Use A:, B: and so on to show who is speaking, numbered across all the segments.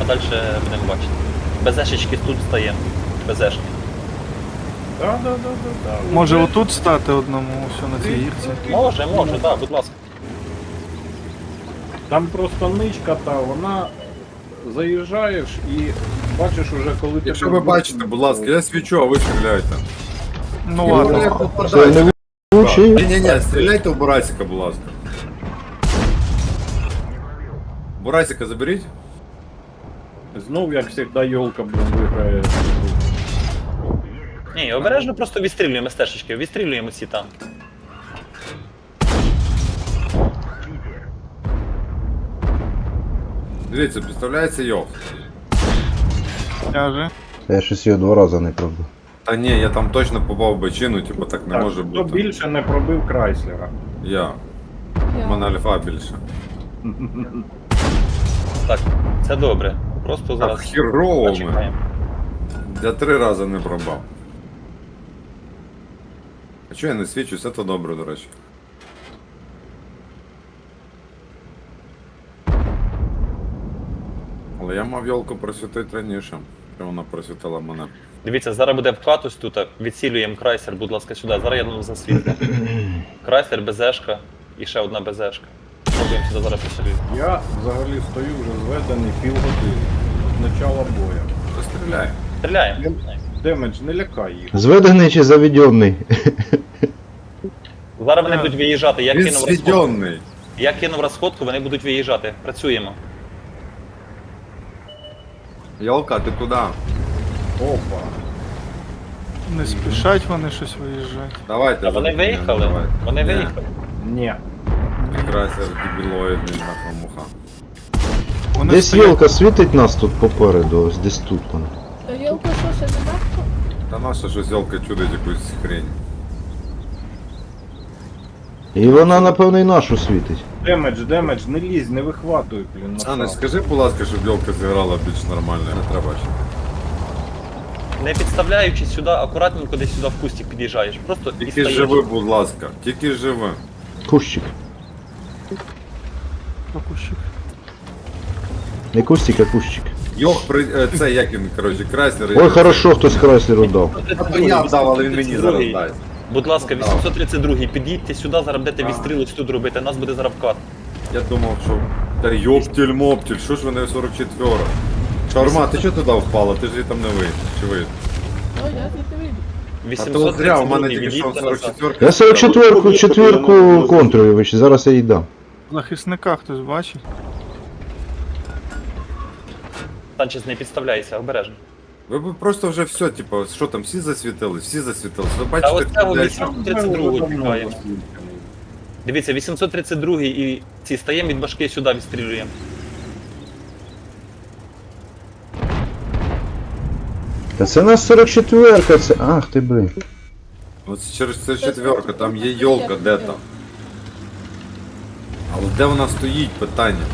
A: а далі будемо бачити. Безешечки тут стаємо. Безешки.
B: Да.
C: Може отут стати одному, все на цій гірці.
A: Може, так, будь ласка.
B: Там просто ничка та, вона заїжджаєш і бачиш уже, коли ти...
D: Якщо ви бачите, будь ласка, я свічу, а ви стріляєте.
C: Ну ладно.
E: Це не влучий.
D: Ні, стріляйте в Бурасика, будь ласка. Бурасика заберіть.
B: Знов, як завжди, йолка, блін, виграє.
A: Ні, обережно просто відстрілюємо стежечки, відстрілюємо ці там.
D: Дивіться, підставляється йох.
C: Каже.
E: Я щось його 2 рази не пробив.
D: Та ні, я там точно попав в бочину, типу так не
B: Так,
D: може
B: хто
D: бути.
B: більше не пробив Крайслера?
D: Я. У мене альфа більше.
A: Так, це добре. Просто
D: Так,
A: зараз
D: хірово ми.
A: почекаємо.
D: Я 3 рази не пробав. А чого я не свічусь? Це добре, до речі. Але я мав йолку просвітити раніше, що вона просвітила мене.
A: Дивіться, зараз буде вкат ось тут, відсілюємо крайсер, будь ласка, сюди. Зараз я ну засвітлю. Крайсер, безешка і ще одна безешка. Пробуємо сюди зараз присілюємо.
B: Я взагалі стою вже зведений півгодини. З начала бою.
D: Постріляй.
A: Стріляємо.
B: Демедж, не лякай їх.
E: Зведений чи заведений?
A: Зараз вони будуть виїжджати, я
D: Він
A: кинув розходку.
D: свідьонний.
A: Я кинув розходку, вони будуть виїжджати. Працюємо.
D: Йолка, ти куди?
B: Опа.
C: Не спішать вони щось виїжджати.
D: Давайте.
A: А вони
D: заберіть мене,
A: виїхали?
D: давайте.
A: Вони
D: Ні.
A: виїхали.
B: Ні.
D: Красер дебілоїдний нахуй муха.
C: Вони
E: Десь
C: стоять.
E: Йолка світить нас тут попереду, ось десь тут там.
F: Йолка що, ще не бачу?
D: Та наша щось йолка чудить якусь хрень.
E: І вона, напевно, і нашу світить.
B: Демедж, не лізь, не вихватуй, блін.
D: Анна,
B: направо.
D: скажи, будь ласка, щоб йолка зіграла більш нормально, не треба ще.
A: Не підставляючись сюди, акуратненько десь сюди в кустик під'їжджаєш. Просто
D: Тільки
A: відстаєш.
D: живи, будь ласка, тільки живи.
E: Кущик.
C: Пропущик.
E: Не кустик, а кущик.
D: Йох, це як він, коротше, крайсер.
E: Ой, хорошо, хтось Крайслеру дав.
D: Я дав, але він мені зараз
A: 832-й.
D: дасть.
A: Будь ласка, 832-й, під'їдьте сюди, зараз будете відстріли тут робити, нас буде зараз вкат.
D: Я думав, що... Та йоптіль-моптіль, що ж вони 44-ра? Шаурма, ти чого туди впала? Ти ж її там не вийдеш. Чи вийдеш?
F: О, я звідти вийду.
D: А то от зря, у мене
A: 832-й,
D: тільки що
A: від'їдьте назад.
D: 44-ка.
E: Я 44-ку, четвірку контрую, зараз я їй дам.
C: Захисника хтось бачить.
A: Санчес, не підставляйся, обережно.
D: Ви б просто вже все, типу, що там, всі засвітились? Ви
A: Та
D: бачите,
A: ось цього
D: десь...
A: 832-го чекаємо. Дивіться, 832-й і ці стаємо від башки сюди відстрілюємо.
E: Та це нас 44-ка, це... Ах ти блин.
D: Ось через це четверка, там є йолка, де там? Але де вона стоїть, питання?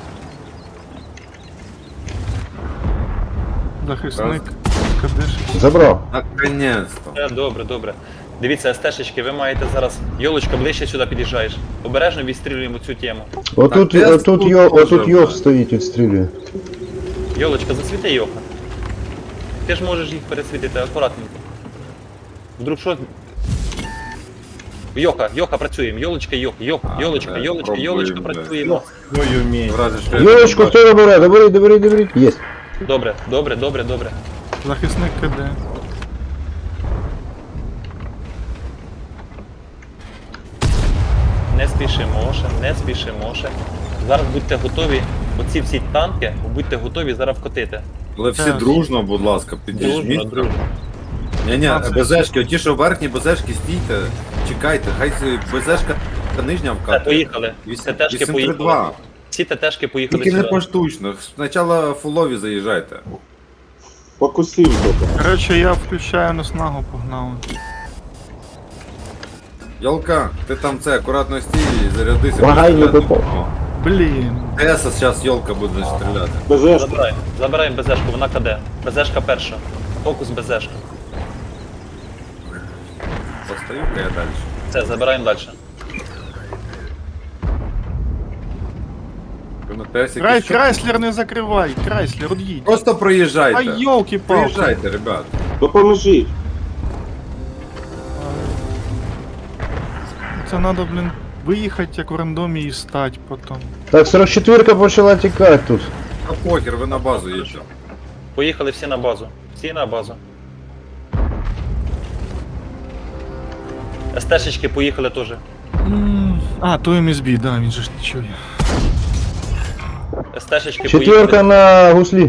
C: Захисник. Кадиш.
E: Забрав.
D: Наконець-то.
A: Добре, добре. Дивіться, стежечки, ви маєте зараз. Йолочка, ближче сюди під'їжджаєш. Обережно відстрілюємо цю тему.
E: Отут,
D: Так,
E: отут,
D: тут
E: отут
D: теж,
E: Йох
D: да.
E: стоїть, відстрілює.
A: Йолочка, засвіти Йоха. Ти ж можеш їх пересвітити акуратненько. Вдруг що? Йоха, працюємо. Йолочка, Йолочка,
D: пробуємо,
A: Йолочка,
D: да.
A: працюємо.
B: Твою мій.
D: В разі, що я
E: Йолочку,
D: не
E: хто добере? Доберіть. Єсть.
A: Добре.
C: Захисник КД.
A: Не спішимо ще. Зараз будьте готові. Оці всі танки, будьте готові зараз вкотити.
D: Але всі дружно, будь ласка, підійміть.
A: Дружно.
D: Ні, безешки, оті, що верхні безешки, стійте, чекайте, хай безешка нижня
A: Все,
D: вкатує.
A: поїхали. ТТшки поїхали.
D: 832.
A: Всі ТТшки поїхали
D: Тільки не
A: сюди.
D: поштучно, спочатку фулові заїжджайте.
C: Коротше, я включаю наснагу, погнали.
D: Йолка, ти там це, акуратно стій і зарядися.
E: Лагай, не
D: О,
E: попав.
C: Блін.
D: Теса зараз йолка буде стріляти.
A: Забираємо безешку, вона КД. Безешка перша. Фокус безешка.
D: Постаю-ка я далі.
A: Все, забираємо далі.
D: На ТС якийсь чорт.
C: Крайслер не закривай, Крайслер, од'їдь.
D: Просто проїжджайте.
C: А йолки-палки.
D: Проїжджайте, ребят.
G: Допоможіть.
C: Це треба, блін, виїхати як у рандомі і стати потім.
E: Так, 44-ка почала тікати тут.
D: А похер, ви на базу їдете.
A: Поїхали всі на базу. Всі на базу. СТшечки поїхали теж.
C: А, то МСБ, да, він же ж не чує.
A: СТшечки
E: Четверка
A: поїхали.
E: на гуслі.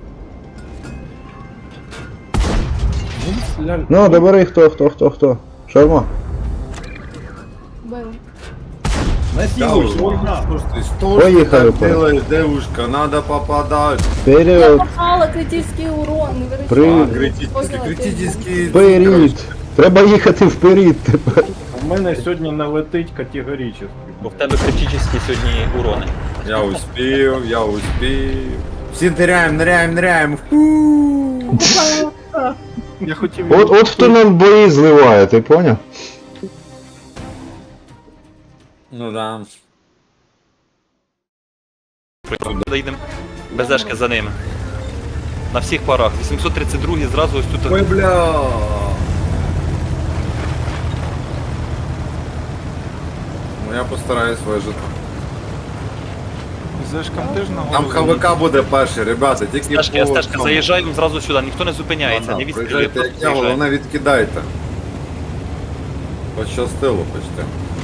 E: Ну, добери, хто. Шарма.
F: Бив.
B: Насилуй, война.
E: Поїхали,
D: Что делаешь, девушка? Надо попадать.
F: Я
E: Вперед,
F: попала критичний урон, не вирішила.
E: Привіт.
D: Критический.
E: вперед. Треба їхати вперед тепер.
B: У мене сьогодні налетить категорично.
A: Бо в тебе критичні сьогодні урони.
D: Я успел. Все ныряем.
C: Я хотів...
E: От хто нам бої зливає, ти поняв?
D: Ну да.
A: Їдемо БЗшки за ними. На всіх парах. 832 зразу ось тут.
D: Ой, бля. Ну я постараюсь вижити.
C: Зешкам теж на
D: Там
C: голову.
D: ХВК буде перший, ребята, тільки
A: СТшки,
D: по
A: СТшки,
D: цьому.
A: заїжджаємо зразу сюди, ніхто не зупиняється, не відстрілює,
D: Приїжджайте,
A: просто
D: як я,
A: заїжджає.
D: головне відкидайте. Пощастило почти.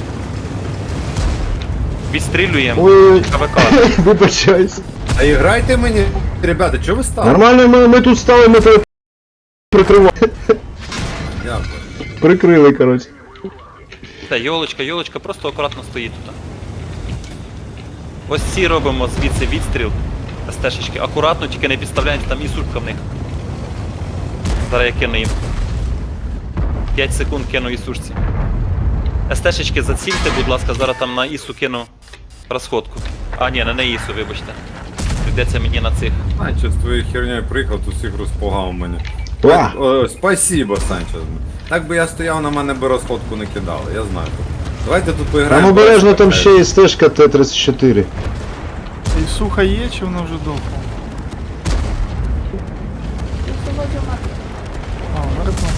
A: Відстрілюємо
E: Ой,
A: КВК.
E: вибачайся.
D: А іграйте мені, ребята, чого ви стали?
E: Нормально, ми тут стали, ми тебе прикривали.
D: Дякую.
E: Прикрили, коротше.
A: Та, йолочка, просто акуратно стоїть тут. Ось ці робимо звідси відстріл. СТшечки. Акуратно, тільки не підставляємося, там і сушка в них. Зараз я кину їм. 5 секунд кину і сушці. СТшечки зацільте, будь ласка, зараз там на ІСу кину розходку. А, ні, не на ІСу, вибачте. Прийдеться мені на цих.
D: Санчо, з твоєю хернею приїхав, тут всіх розпугав мене.
E: Ва.
D: О, спасибо, Санчо. Так би я стояв, на мене би розходку не кидали, я знаю. Давайте тут поіграємо.
E: Там обережно там ще є стежка Т-34.
C: І суха є, чи вона вже довго?
F: Сьогодні мати.
C: А, мертва.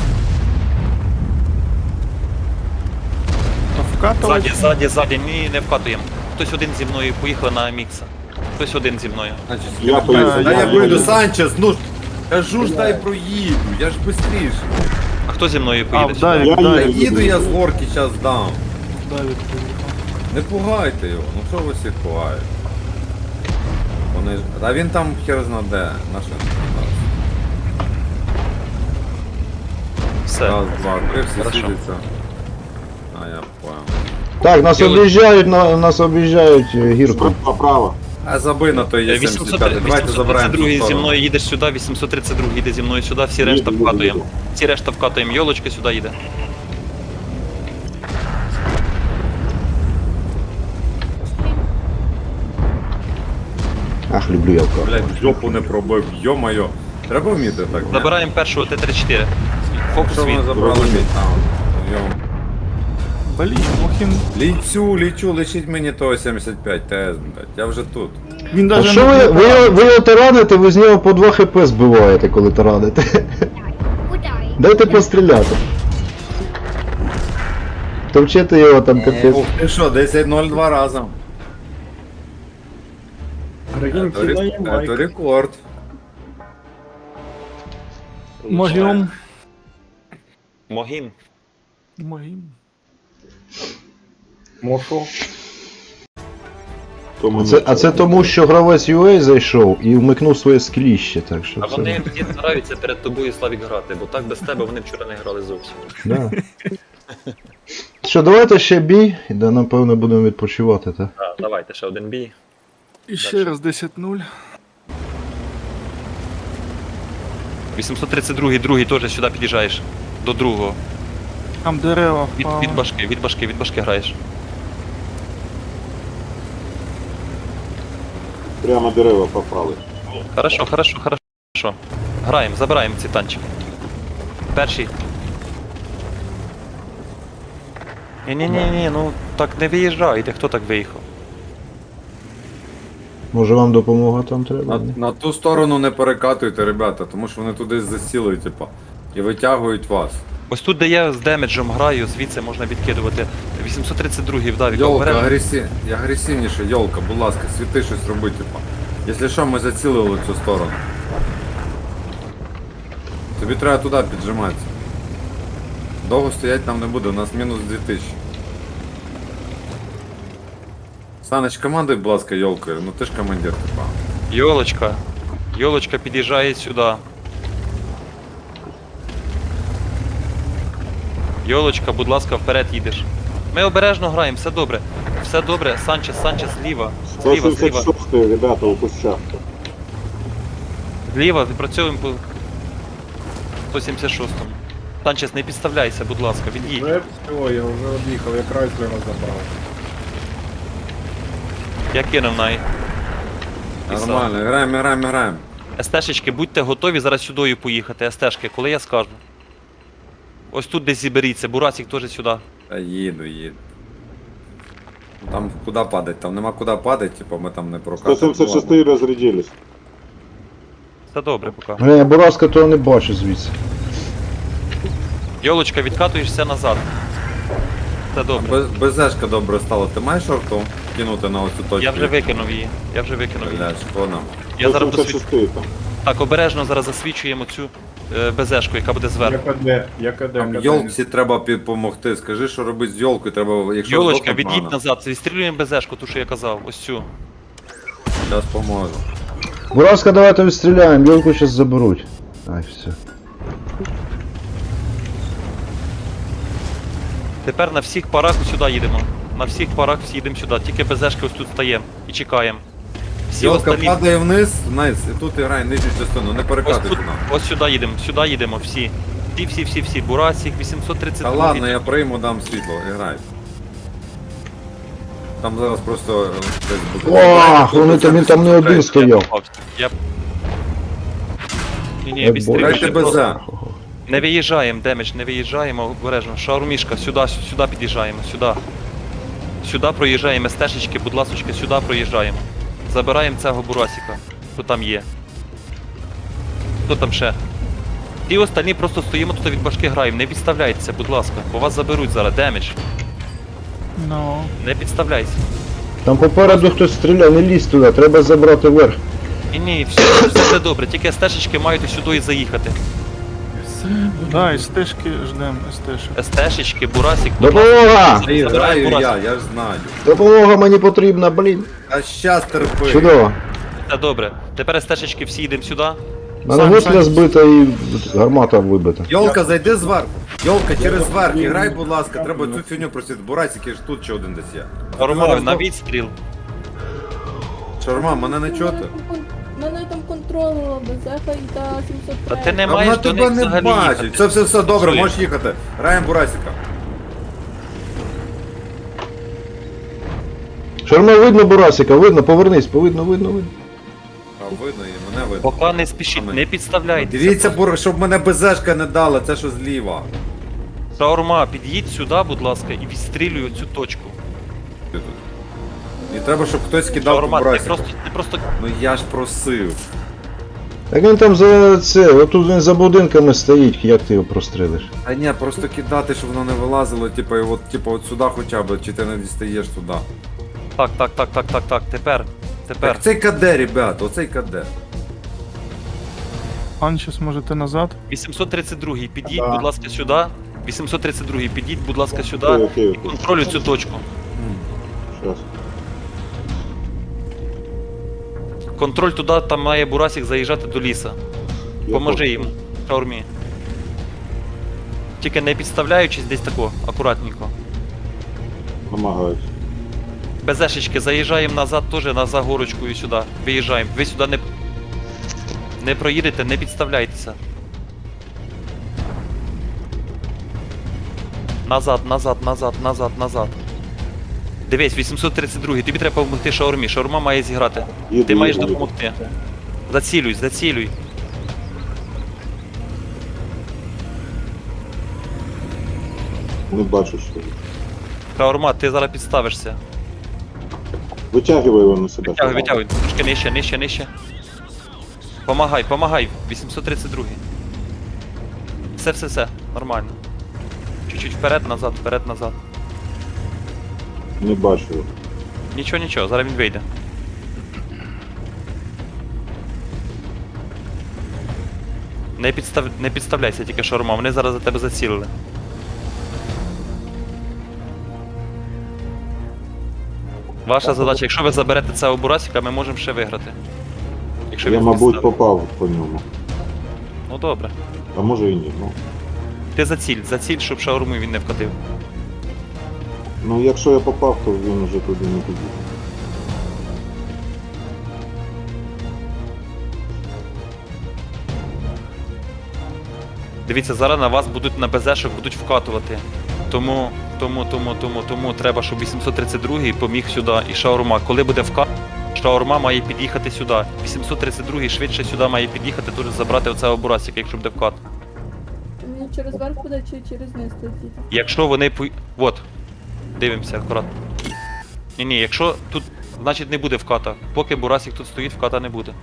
C: То вкатувати?
A: Ззаді, ні, не вкатуємо. Хтось один зі мною, поїхали на мікса. Хтось один зі мною.
G: Я поїду.
D: Та я
C: Я
D: поїду, Санчес, ну ж. Кажу ж дай проїду, я ж быстріше.
A: А хто зі мною
C: А,
A: поїде?
C: в Давік,
G: Я
D: Та
C: Давік.
D: їду я з горки зараз дам.
C: Давік поїхав.
D: Не пугайте його, ну що ви всіх пугаєте? Вони ж. А він там хер зна де, на що?
A: Все.
D: Раз, два, три, всі
A: Хорошо.
D: сидяться. А я понял.
E: Так, нас об'їжджають гірку.
G: Право.
D: А забий на той є 75. Давайте забираємо.
A: 832
D: цю
A: зі
D: сторону.
A: мною їдеш сюди, 832 їде зі мною сюди, всі решта
G: Їду,
A: вкатуємо.
G: їду.
A: Всі решта вкатуємо, йолочка сюди їде.
E: Ах, люблю я вкат.
D: Блять, жопу не пробив, йо-моє. Треба вміти так. ні?
A: Забираємо першого Т-34. Фокус
D: Що
A: від.
D: вони забрали мій таун? Йо.
C: Блін, Мохін...
D: Лічу, лишіть мені того 75 ТС, блять, я вже тут.
C: Він
E: А
C: даже
E: що ви його тараните, ви з нього по 2 хп збиваєте, коли тараните. Дайте постріляти. Товчете його там капець.
D: Ух ти що, 10-0 разом.
B: Аргентина і
D: Це
B: Майк.
D: рекорд.
C: Могім.
A: Могім.
C: Могім.
B: Мошо.
E: А це тому, що гравець UA зайшов і вмикнув своє скліще, так що
A: А
E: це...
A: вони всі стараються перед тобою, Славік, грати, бо так без тебе вони вчора не грали зовсім.
E: Да. Що, давайте ще бій, і да, напевно будемо відпочивати, так?
A: Так, давайте ще один бій.
C: І ще раз 10-0.
A: 832 другий теж сюди під'їжджаєш. До другого.
C: Там дерева
A: Від
C: впали.
A: башки граєш.
G: Прямо дерева попали.
A: Хорошо. Граємо, забираємо ці танчики. Перший. Ні, ну так не виїжджайте, хто так виїхав?
E: Може вам допомога там треба? ні?
D: На ту сторону не перекатуйте, ребята, тому що вони туди засіли, типа, і витягують вас.
A: Ось тут, де я з демеджем граю, звідси можна відкидувати. 832-й вдав,
D: Йолка, агресивніше, Йолка, будь ласка, світи щось роби, типа. Якщо що, ми зацілили цю сторону. Тобі треба туди піджиматися. Довго стоять там не буде, у нас мінус 2000. Саныч, командуй, будь ласка, Йолкою, ну ти ж командир, типа.
A: Йолочка. Йолочка під'їжджає сюди. Йолочка, будь ласка, вперед їдеш. Ми обережно граємо, все добре. Все добре, Санчес, зліва. Зліва, зліва.
G: 176 ребята у кущах.
A: Зліва, відпрацьовуємо по 176-му. Санчес, не підставляйся, будь ласка, від'їдь.
B: Вже все, я вже од'їхав, я Крайслера забрав.
A: Я кинув най.
D: Нормально, граємо.
A: СТшечки, будьте готові зараз сюдою поїхати, СТшки, коли я скажу. Ось тут десь зіберіться, Бурасик теж сюди.
D: Та їду. Там куди падать? Там нема куди падати, типа ми там не прокатимо.
G: 176 разрядились.
A: Все добре поки.
E: Бля, я Бураска того не бачу звідси.
A: Йолочка, відкатуєшся назад. Все добре.
D: БЗшка добре стало. Ти маєш шорту кинути на оцю точку?
A: Я вже викинув її.
D: Блядь, що нам?
A: Я зараз досвід...
G: 176 там.
A: Так, обережно зараз засвічуємо цю БЗшку, яка буде зверху.
B: Я КД.
D: Там Йолці треба допомогти. Скажи, що робити з Йолкою, треба, якщо
A: Йолочка,
D: здохнуть
A: від'їдь
D: рано.
A: назад, відстрілюємо БЗшку, ту, що я казав, ось цю.
D: Зараз поможу.
E: Бураска, давайте відстріляємо, Йолку зараз заберуть. Ай, все.
A: Тепер на всіх парах сюди їдемо. На всіх парах всі їдемо сюди, тільки БЗшки ось тут стаємо і чекаємо. Всі
D: Йолка
A: остальні...
D: падає вниз, і тут грає нижню частину, не
A: Ось
D: перекатуйте
A: тут,
D: нам.
A: ось сюди їдемо, всі. Всі. Бурасик,
D: Та
A: 832.
D: ладно, я прийму, дам світло, грай. Там зараз просто десь буде.
E: Ох, він там не один стояв.
A: Ні,
E: Ой,
A: бістріше.
D: Грайте
A: просто.
D: БЗ.
A: Не виїжджаємо, демедж, не виїжджаємо, обережно. Шаурмішка, сюди під'їжджаємо, сюди. Сюди проїжджаємо, стежечки, будь ласочка, сюди проїжджаємо. Забираємо цього бурасика, хто там є. Хто там ще? Ті остальні просто стоїмо тут від башки граємо, не підставляйтеся, будь ласка, бо вас заберуть зараз, демедж.
C: Ну.
A: Не підставляйся.
E: Там попереду хтось стріляє, не лізь туди, треба забрати верх.
A: Ні, все буде добре, тільки стежечки мають сюди і заїхати.
C: Да, і стежки ждем, стежки.
A: СТшечки, бурасик,
E: Допомога!
D: Граю я ж знаю.
E: Допомога мені потрібна, блін.
D: А щас терпи.
E: Чудово.
A: Все добре. Тепер стежечки всі йдемо сюди.
E: Мене гусля збита і гармата вибита.
D: Йолка, зайди зверху. Йолка, через верх, і грай, будь ласка, треба цю фігню просити. Бурасики ж тут ще один десь є.
A: Ромове, на відстріл.
D: Шарма, мене не чути.
F: Мене там контролила безеха і та 703.
A: Та ти не
D: А вона
A: маєш до
D: тебе
A: них
D: не
A: взагалі
D: бачить.
A: їхати.
D: Все добре,
A: Чує.
D: можеш їхати. Граємо Бурасика.
E: Шарма, видно Бурасика, видно, повернись, видно.
D: А видно і мене видно.
A: Поки не спішіть, не підставляйтеся.
D: Дивіться, щоб мене БЗшка не дала, це що зліва.
A: Шаурма, під'їдь сюди, будь ласка, і відстрілюй цю точку.
D: І треба, щоб хтось кидав по
A: Шаурма, ти
D: Бурасику.
A: просто...
D: Ну я ж просив.
E: Так він там за це, отут він за будинками стоїть, як ти його прострелиш?
D: А ні, просто кидати, щоб воно не вилазило, типу, і от сюди хоча б, чи ти не дістаєш туди.
A: Так, тепер.
D: Так цей КД, ребята, оцей КД.
C: Анчес, можете назад?
A: 832-й, під'їдь,
B: Да.
A: будь ласка, сюди. 832-й, під'їдь, будь ласка, сюди.
G: Окей.
A: І контролюй цю точку.
G: Сейчас.
A: Контроль туди, там має Бурасик заїжджати до ліса. Поможи їм, Шаурмі. Тільки не підставляючись десь тако, акуратненько.
G: Помогають.
A: БЗшечки, заїжджаємо назад теж на загорочку і сюди. Виїжджаємо. Ви сюди не проїдете, не підставляйтеся. Назад. Дивись, 832, тобі треба допомогти Шаурмі. Шаурма має зіграти.
G: Їду,
A: Ти маєш
G: їду.
A: допомогти. Зацілюй.
G: Не бачу, що.
A: Шаурма, ти зараз підставишся.
G: Витягивай его на себя.
A: Витягуй, витягуй. Трошки нижче, нижче, нижче. Помагай, помагай. 832. Все. Нормально. Чуть-чуть вперед, назад.
G: Не бачу его.
A: Нічого, зараз він вийде. Не підставляйся тільки шаурма, вони зараз за тебе зацілили. Ваша задача, якщо ви заберете цього бурасика, ми можемо ще виграти. Якщо
G: Я,
A: він
G: мабуть,
A: підставить.
G: попав по ньому.
A: Ну добре.
G: А може і ні. Ну,
A: Ти заціль, щоб шаурму він не вкатив.
G: ну якщо я попав, то він вже туди не піде.
A: Дивіться, зараз на вас будуть на БЗшок будуть вкатувати. Тому треба, щоб 832-й поміг сюди і шаурма. Коли буде вкат, шаурма має під'їхати сюди. 832-й швидше сюди має під'їхати, дуже забрати оцього бурасика, якщо буде вкат.
F: Він через верх буде чи через низ летіти?
A: Якщо вони Вот. Дивимося акуратно. Ні, якщо тут, значить не буде вката. Поки бурасик тут стоїть, вката не буде.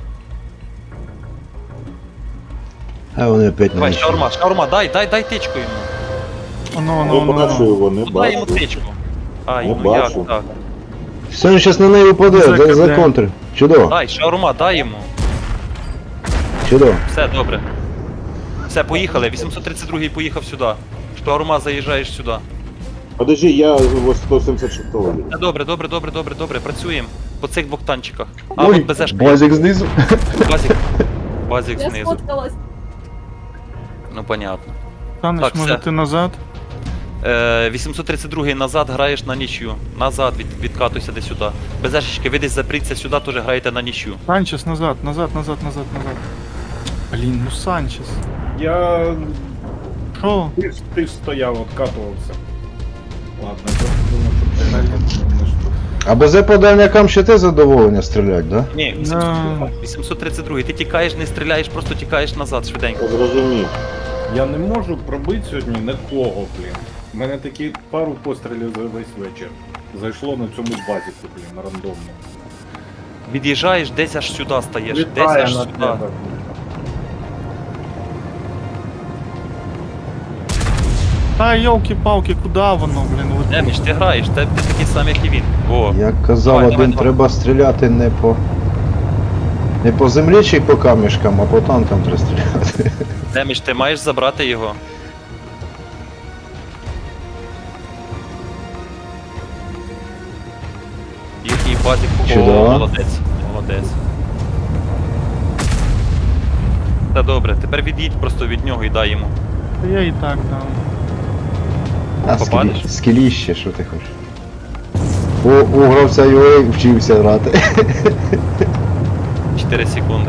E: А вони опять
A: Давай,
E: не.
A: шаурма, дай тичку йому.
G: Не бачу його, не
A: Ну дай йому
G: бачу.
A: тичку. Ай,
G: Не
A: ну як
G: бачу.
A: так?
E: Все, він зараз на неї упаде,
C: Закидає.
E: за контр. Чудово,
A: Дай, шаурма, дай йому.
E: чудово.
A: Все, добре. Все, поїхали. 832-й поїхав сюди. Шаурма, заїжджаєш сюди.
G: Подожди, я ось 176-го.
A: Все, добре, працюємо. По цих двох танчиках. А,
E: Ой,
A: от БЗшка.
E: базик знизу.
A: Базик
F: Я
A: знизу.
F: сфоткалась.
A: Ну, понятно.
C: Танеш,
A: Так,
C: може
A: все.
C: ти назад?
A: 832-й назад граєш на нічю. Назад відкатуйся десь сюди. БЗшечки, ви десь запріться сюди, теж граєте на нічю.
C: Санчес, назад. Блін, ну Санчес.
B: Я...
C: Що?
B: Ти стояв, откатувався. Ладно, я думав, що ти не що.
E: А БЗ по дальнякам ще те задоволення стрілять, да?
A: Ні, 832-й. Ти тікаєш, не стріляєш, просто тікаєш назад швиденько.
G: Зрозумів.
B: Я не можу пробити сьогодні нікого, блін. У мене такі пару пострілів за весь вечір. Зайшло на цьому базіку, блін, рандомно.
A: Від'їжджаєш, десь аж сюди стаєш. Десь
B: Літає
A: аж
B: на
A: сюди.
B: тебе.
C: Та йолки-палки, куди воно, блін, летить?
A: Деміч, ти граєш, ти такий самий, як і він. О,
E: Як казав
A: Давай,
E: один,
A: давай.
E: треба стріляти не по землі чи по камішкам, а по танкам треба стріляти.
A: Деміч, ти маєш забрати його. Їхній базік. О,
E: Чудово.
A: молодець. Та добре, тепер від'їдь просто від нього і дай йому.
C: Та я і так дам.
E: А
A: Попадеш?
E: скіліще, що ти хочеш? У гравця UA вчився грати.
A: 4 секунди.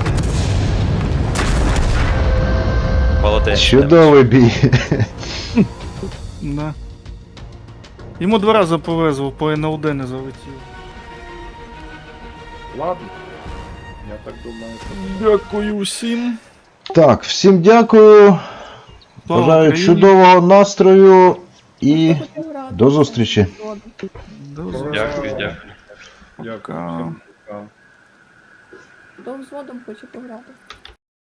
A: Молодець.
E: Чудовий бій.
C: Да. Йому 2 рази повезло, по НЛД не залетів.
B: Ладно. Я так думаю, що...
C: Дякую всім.
E: Так, всім дякую.
C: Слава
E: Бажаю
C: Україні.
E: чудового настрою і
F: Хто хотів грати?
E: до зустрічі.
C: До
A: Дякую.
B: Дякую
C: Пока.
B: всім. Пока.
F: Хто взводом хоче пограти?